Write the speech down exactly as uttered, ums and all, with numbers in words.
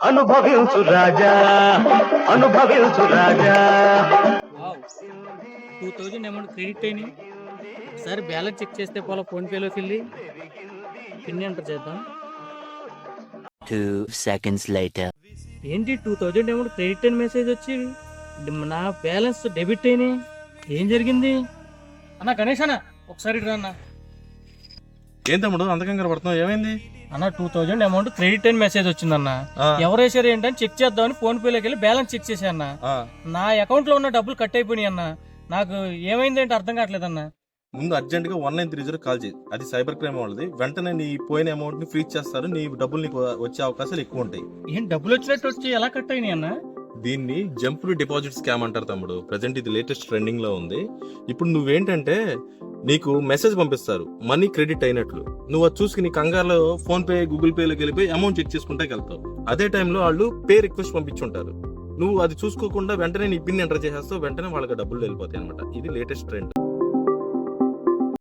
అనుభవించు రాజా, అనుభవించు రాజా. టూ థౌజండ్ అమౌంట్ క్రెడిట్ అయినాయి. ఒకసారి బ్యాలెన్స్ చెక్ చేస్తే పోలా ఫోన్పేలోకి వెళ్ళి పిన్ ఎంటర్ చేద్దాం. Two seconds later. ఏంటి టూ థౌజండ్ అమౌంట్ క్రెడిట్ అయిన మెసేజ్ వచ్చి నా బ్యాలెన్స్ డెబిట్ అయినాయి. ఏం జరిగింది అన్న? గణేష్ అన్న ఒకసారి రా అన్న. ఏం తమ్ముడు అంత కంగారు పడుతున్నావు, ఏమైంది? అన్న టూ థౌజండ్ అమౌంట్ క్రెడిట్ అయిన మెసేజ్ వచ్చిందన్న. ఎవరు వేసారు ఏంటని చెక్ చేద్దామని ఫోన్ పేలోకి వెళ్ళి బ్యాలెన్స్ చెక్ చేసా అన్న. నా అకౌంట్ లో ఉన్న డబ్బులు కట్ అయిపోయినాయి అన్న. నాకు ఏమైంది ఏంటి అర్థం కావట్లేదు అన్న. ముందు అర్జెంట్ గా one nine three zero call చేయి, అది సైబర్ క్రైమ్ వాళ్ళది. వెంటనే నీ పోయిన అమౌంట్ ని ఫ్రీజ్ చేస్తారు, నీ డబ్బులు నీకు వచ్చే అవకాశాలు ఎక్కువ ఉంటాయి. ఏం డబ్బులు వచ్చినట్టు వచ్చి ఎలా కట్ అయినాయి అన్న? దీన్ని జంప్డ్ డిపాజిట్ స్కామ్ అంటారు తమ్ముడు. ప్రెసెంట్ ఇది లేటెస్ట్ ట్రెండింగ్ లో ఉంది. ఇప్పుడు నువ్వేంటంటే నీకు మెసేజ్ పంపిస్తారు మనీ క్రెడిట్ అయినట్లు. నువ్వు అది చూసుకుని కంగారులో ఫోన్ పే గూగుల్ పేలోకి వెళ్ళిపోయి అమౌంట్ చెక్ చేసుకుంటే వెళ్తావు. అదే టైంలో వాళ్ళు పే రిక్వెస్ట్ పంపించుంటారు. నువ్వు అది చూసుకోకుండా వెంటనే నీ పిన్ ఎంటర్ చేసేస్తావు, వెంటనే వాళ్ళకి డబ్బులు వెళ్ళిపోతాయి అనమాట. ఇది లేటెస్ట్ ట్రెండ్.